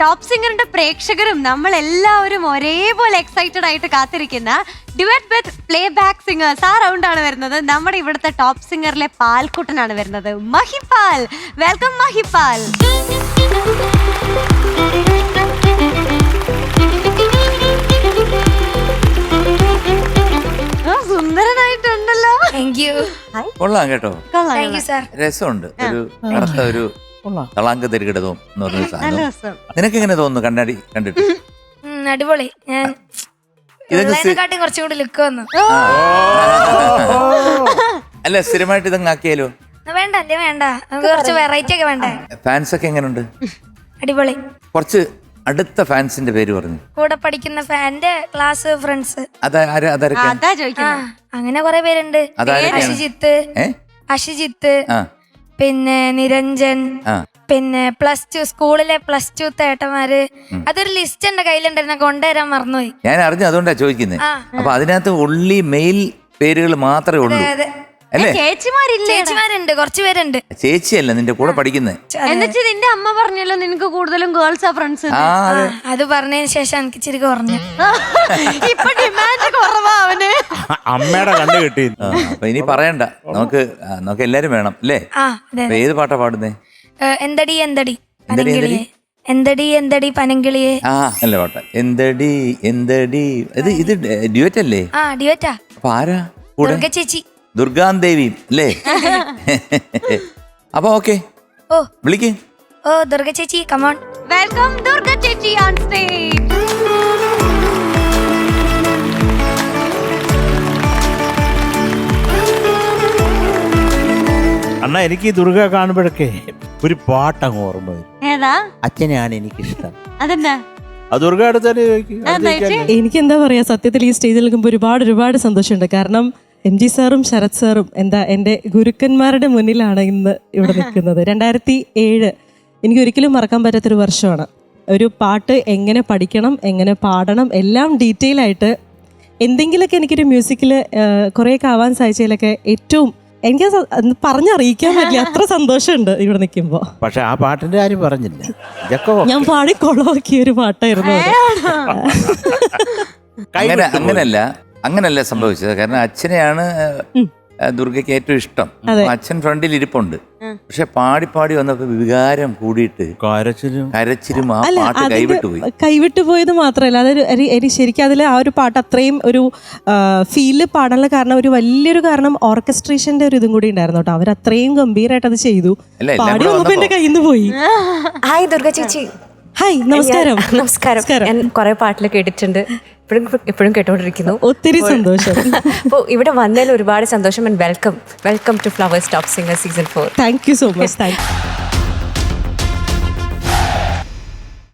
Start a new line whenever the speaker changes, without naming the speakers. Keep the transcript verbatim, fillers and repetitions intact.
Top സിംഗറിന്റെ പ്രേക്ഷകരും നമ്മൾ എല്ലാവരും ഒരേപോലെ എക്സൈറ്റഡ് ആയിട്ട് കാത്തിരിക്കുന്ന duet with playback singers ആ റൗണ്ട് ആണ് വരുന്നത്. നമ്മുടെ ഇവിടുത്തെ ടോപ്പ് സിംഗറിലെ പാൽക്കുട്ടനാണ് വരുന്നത്, മഹിപാൽ. വെൽക്കം മഹിപാൽ. സുന്ദരനായിട്ടുണ്ടല്ലോ.
കൊള്ളാം കേട്ടോ,
രസമുണ്ട്.
ഒരു കറുത്ത ഒരു തളാങ്ക തരികിടതവും എന്ന് പറഞ്ഞ സാധനം. നിനക്ക് എങ്ങനെ തോന്നുന്നു കണ്ണാടി കണ്ടിട്ട്?
അടിപൊളി. ഞാൻ കുറച്ചുകൂടി ലുക്ക് വന്നു.
അല്ല, സ്ഥിരമായിട്ട് ഇതങ്ങ് ആക്കിയാലോ?
വേണ്ട അല്ലേ, വേണ്ട. നമുക്ക് കുറച്ച് വെറൈറ്റി ഒക്കെ വേണ്ടേ.
ഫാൻസ് ഒക്കെ എങ്ങനെയുണ്ട്?
അടിപൊളി.
കുറച്ച് അടുത്ത ഫാൻസിന്റെ പേര് പറഞ്ഞു.
കൂടെ പഠിക്കുന്ന ഫാന്റെ ക്ലാസ് ഫ്രണ്ട്സ്. അങ്ങനെ കുറെ പേരുണ്ട്. അഷിജിത്ത്, അഷിജിത്ത്, പിന്നെ നിരഞ്ജൻ, പിന്നെ പ്ലസ് ടു സ്കൂളിലെ പ്ലസ് ടു തേട്ടന്മാര്. അതൊരു ലിസ്റ്റ് എന്റെ കയ്യിലുണ്ടായിരുന്നു, കൊണ്ടുവരാൻ മറന്നുപോയി.
ഞാൻ അറിഞ്ഞു, അതുകൊണ്ടാ ചോദിക്കുന്നത്. അപ്പൊ അതിനകത്ത് ഉള്ളി മെയിൽ പേരുകൾ മാത്രമേ ഉള്ളൂ അല്ലേ?
ചേച്ചിമാരുണ്ട്, കുറച്ചു പേരുണ്ട്.
ചേച്ചിയല്ല, നിന്റെ കൂടെ പഠിക്കുന്നത്.
എന്നിട്ട് നിന്റെ അമ്മ പറഞ്ഞല്ലോ നിനക്ക് കൂടുതലും ഗേൾസാ ഫ്രണ്ട്സ്.
അത് പറഞ്ഞതിന് ശേഷം എനിക്ക് ഇച്ചിരി കുറഞ്ഞു.
ഇപ്പൊ ഡിമാൻഡ് കുറവാ അവന്.
അമ്മയുടെ കണ്ടു കിട്ടി.
അപ്പൊ ഇനി പറയണ്ട, നമുക്ക് നമുക്ക് എല്ലാരും വേണം അല്ലേ? ഏത് പാട്ടാ പാടുന്നേ?
എന്തടി എന്തടി പനങ്കിളിയെ, എന്തടി എന്തടി പനങ്കിളിയെ.
ആ നല്ല പാട്ട. എന്തടി എന്തടി. ഇത് ഇത് ഡ്യുവറ്റ് അല്ലേ?
ആ ഡ്യുവറ്റാ.
അപ്പൊ ആരാ കൂടെ?
ദുർഗ ചേച്ചി,
ദുർഗാദേവിയും അല്ലേ? അപ്പൊ ഓക്കെ,
ഓ
വിളിക്ക്.
ഓ ദുർഗ ചേച്ചി, കമോൺ.
വെൽക്കം ദുർഗ ചേച്ചി ഓൺ സ്റ്റേജ്.
അണ്ണാ, എനിക്ക് ഈ ദുർഗ കാണുമ്പോഴൊക്കെ ഒരു പാട്ടങ്ങ് ഓർമ്മ വരും.
ഏതാ?
അച്ഛനെയാണ് എനിക്കിഷ്ടം.
അതെന്നാ?
ദുർഗ അടുത്ത് തന്നെ ചോദിക്കും.
എനിക്ക് എന്താ പറയാ, സത്യത്തിൽ ഈ സ്റ്റേജിൽ നിൽക്കുമ്പോൾ ഒരുപാട് ഒരുപാട് സന്തോഷമുണ്ട്. കാരണം എം ജി സാറും ശരത് സാറും എന്താ എൻ്റെ ഗുരുക്കന്മാരുടെ മുന്നിലാണ് ഇന്ന് ഇവിടെ നിൽക്കുന്നത്. രണ്ടായിരത്തി ഏഴ് എനിക്ക് ഒരിക്കലും മറക്കാൻ പറ്റാത്തൊരു വർഷമാണ്. ഒരു പാട്ട് എങ്ങനെ പഠിക്കണം, എങ്ങനെ പാടണം, എല്ലാം ഡീറ്റെയിൽ ആയിട്ട് എന്തെങ്കിലുമൊക്കെ എനിക്കൊരു മ്യൂസിക്കിൽ കുറേയൊക്കെ ആവാൻ സാധിച്ചതിലൊക്കെ ഏറ്റവും എനിക്ക് പറഞ്ഞറിയിക്കാൻ പറ്റില്ല, അത്ര സന്തോഷമുണ്ട് ഇവിടെ നിൽക്കുമ്പോൾ.
പക്ഷെ ആ പാട്ടിന്റെ കാര്യം പറഞ്ഞില്ല.
ഞാൻ പാടി കൊളവാക്കിയ ഒരു പാട്ടായിരുന്നു.
അങ്ങനെ അങ്ങനല്ല അങ്ങനല്ല സംഭവിച്ചത്. കാരണം അച്ഛനെയാണ് ദുർഗയ്ക്ക് ഏറ്റവും ഇഷ്ടം. അച്ഛൻ ഫ്രണ്ടിൽ ഇരിപ്പുണ്ട്. പക്ഷെ പാടി പാടി വന്നപ്പോ വികാരം കൂടിയിട്ട് കരച്ചിലും കരച്ചിലും ആ പാട്ട് കൈവിട്ടുപോയി.
കൈവിട്ടുപോയത് മാത്രമല്ല, അതൊരു ശരിക്കും അതിൽ ആ ഒരു പാട്ട് അത്രയും ഒരു ഫീല് പാടാനുള്ള കാരണം, ഒരു വലിയൊരു കാരണം ഓർക്കസ്ട്രേഷന്റെ ഒരു ഇതും കൂടി ഉണ്ടായിരുന്നു കേട്ടോ. അവർ അത്രയും ഗംഭീരമായിട്ട് അത് ചെയ്തു. പാടി വന്നപ്പോ എന്റെ കയ്യിൽ നിന്ന് പോയി.
ഹായ് ദുർഗ ചേച്ചി.
ഹായ്, നമസ്കാരം.
നമസ്കാരം. ഞാൻ കുറെ പാട്ടിൽ കേട്ടിട്ടുണ്ട്, ഇപ്പോഴും ഇപ്പോഴും കേട്ടോണ്ടിരിക്കുന്നു.
ഒത്തിരി സന്തോഷം.
അപ്പോൾ ഇവിടെ വന്നതിൽ ഒരുപാട് സന്തോഷം. And welcome welcome to Flowers top singer season four.
Thank you so much. Thank U.